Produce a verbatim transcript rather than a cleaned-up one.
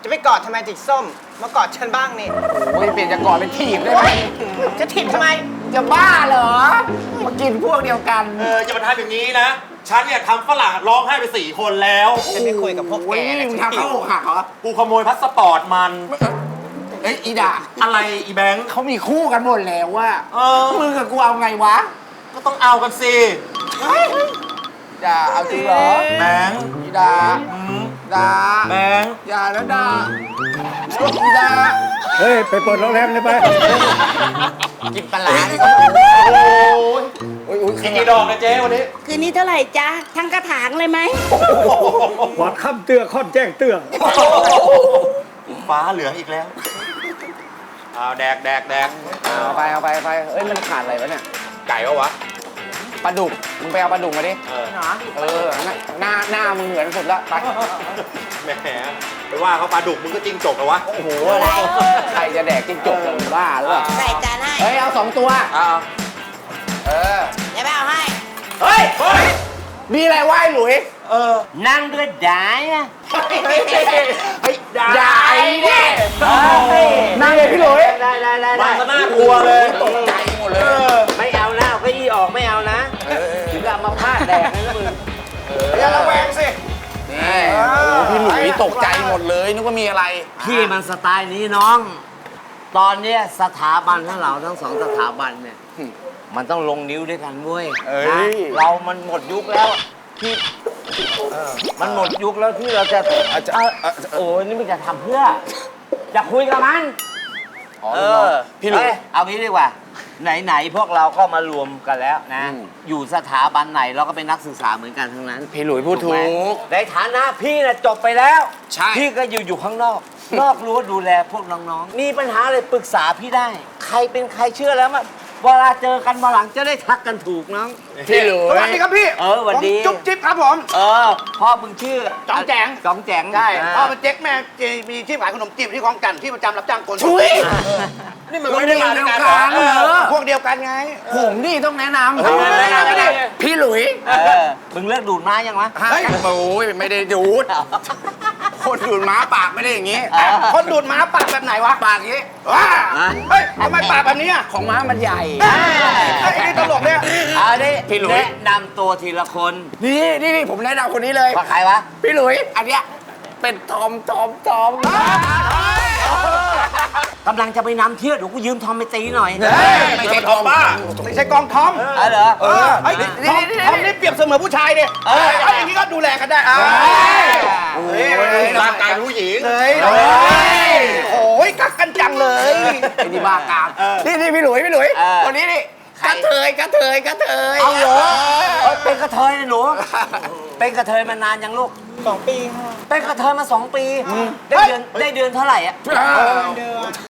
จะไปกอดทำไมจิกส้มมากอดฉันบ้างนี่โอ้ยเปลี่ยนจากกอดเป็นถีบได้ไหมจะถีบทำไมจะบ้าเหรอ มากินพวกเดียวกันเออจะมาทำอย่างนี้นะ ฉันเนี่ยทำฝรั่งร้องไห้ไปสี่คนแล้วฉันไม่คุยกับพวกโอ้แกยนะมึงฉันทำหิเขาวอกหักเหรอกูขโมยพาสปอร์ตมันเอ้ยอีด่าอะไรอีแบงค์เขามีคู่กันหมดแล้วว่าเออมึงกับกูเอาไงวะก็ต้องเอากันสิด่าเอาจริงเหรอแบงค์อีด่าอืมด่าแบงค์อย่าแล้วด่าอีด่าเฮ้ย ไปเปิดโรงแรมเลยไปกินปลาร้าโอ้ยโอ้ยโอ้ยกินกี่ดอกนะเจ๊วันนี้คืนนี้เท่าไหร่จ๊ะ ทั้งกระถางเลยไหมหวานค่ำเตื้อค่อนแจ้งเตื้อฟ้าเหลืองอีกแล้วเอาแดกแดกแดกเอาไปเอาไปเอาไปเอ้ยมันขาดอะไรวะเนี่ยไก่ปะวะปลาดุก มึงไปเอาปลาดุกมาดิเออเออ หน้าหน้ามึงเหมือนสุดละไปแหมไปว่าเขาปลาดุกมึงก็จิ้งจกเหรอวะโอ้โหอะไรใครจะแดกจิ้งจกเลยมึงบ้าหรือเปล่าใส่จานให้เฮ้ย เอาสองตัวเอาเออเดี๋ยวแม่เอาให้เฮ้ยเฮ้ยมีอะไรไหว้หลุยเออนั่งด้วยได้อะเฮ้ยได้ใหญ่ดินั่งเลยพี่หลุยได้ได้ได้มาซะน่ากลัวเลยตกใจหมดเลยเออไม่เอาหน้าเอาเก็ยี่ออกไม่เอานะถึงกับมาพาดแดกนะมึงอย่าระแวงสินี่โอ้โหพี่หลุยตกใจหมดเลยนึกว่ามีอะไรพี่มันสไตล์นี้น้อง ตอนเนี้ยสถาบันทั้งเราทั้งสองสถาบันเนี่ย มันต้องลงนิ้วด้วยกันเว้ยเอ้ยนะเรามันหมดยุคแล้วที่มันหมดยุคแล้วที่เราจะเอ้าโอ้ยนี่มันจะทำเพื่อ จะคุยกับมันอ๋อเอลูกน้องอพี่หลุยเอ้ยเอางี้ดีกว่า ไหนๆพวกเราก็มารวมกันแล้วนะอืมอยู่สถาบันไหนเราก็เป็นนักศึกษาเหมือนกันทั้งนั้นพี่หลุยพูดถูไหมกในฐานะพี่น่ะจบไปแล้วใช่พี่ก็อยู่อยู่ข้างนอก นอกรั้วดูแลพวกน้องๆ มีปัญหาอะไรปรึกษาพี่ได้ ใครเป็นใครเชื่อแล้วมันเวลาเจอกันมาหลังจะได้ทักกันถูกน้องพี่หลุยสวัสดีครับพี่เออสวัสดีผมจุ๊บจิ๊บครับผมเออ พ่อมึงชื่อจ๋องแจ๋งจ๋องแจ๋งใช่าพ่อเป็นเจ๊กแม่มีที่ขายขนมจีบที่คลองกันที่ประจำรับจ้างคนชุยนี่มันไม่ได้มาด้วยกันเดียวกันเอเหรออพวกเดียวกันไงผมนี่ต้องแนะนเออแนะนำไม่ได้ำพี่หลุยเออ มึงเลิกดูดม้ายังวะเฮ้ยโอ้ยไม่ได้ดูด คนดูดม้าปากไม่ได้อย่างงี้เออคนดูดม้าปากแบบไหนวะปากอย่างงี้ว้าอ่ะเฮ้ยทำไมปากแบบนี้อ่ะของม้ามันใหญ่ไอ้นี่ตลกเนี่ยเอาดิพี่หลุยแนะนำตัวทีละคนนี่นี่นี่ผมแนะนำคนนี้เลยว่าใครวะพี่หลุย อันเนี้ยเป็นทอมทอมทอมกำลังจะไปนำเที่ยวเดี๋ยวกูยืมทอมไปตีหน่อยไม่ใช่ทอมบ้าไม่ใช่กองทอมเออเหรอเออไอ้ยทอมทอมนี่เปรียบเสมือนผู้ชายเนี่ยเออไอ้อย่างนี้ก็ดูแลกันได้อ่าเฮ้ยร่างกายผู้หญิงเฮ้ยเฮ้ยโอ้ยกักกันจังเลยไอ้นี่บ้ากามนี่นี่พี่หลุยพี่หลุยเออคนนี้นี่กระเทยกระเทยกระเทยเอาเหรอเอ้ยเป็นกระเทยนะหนู เป็นกระเทยมานานยังลูกสองปีค่ะเป็นกระเทยมาสองปี ได้เดือนได้เดือนเท่าไหร่อะเออเดือน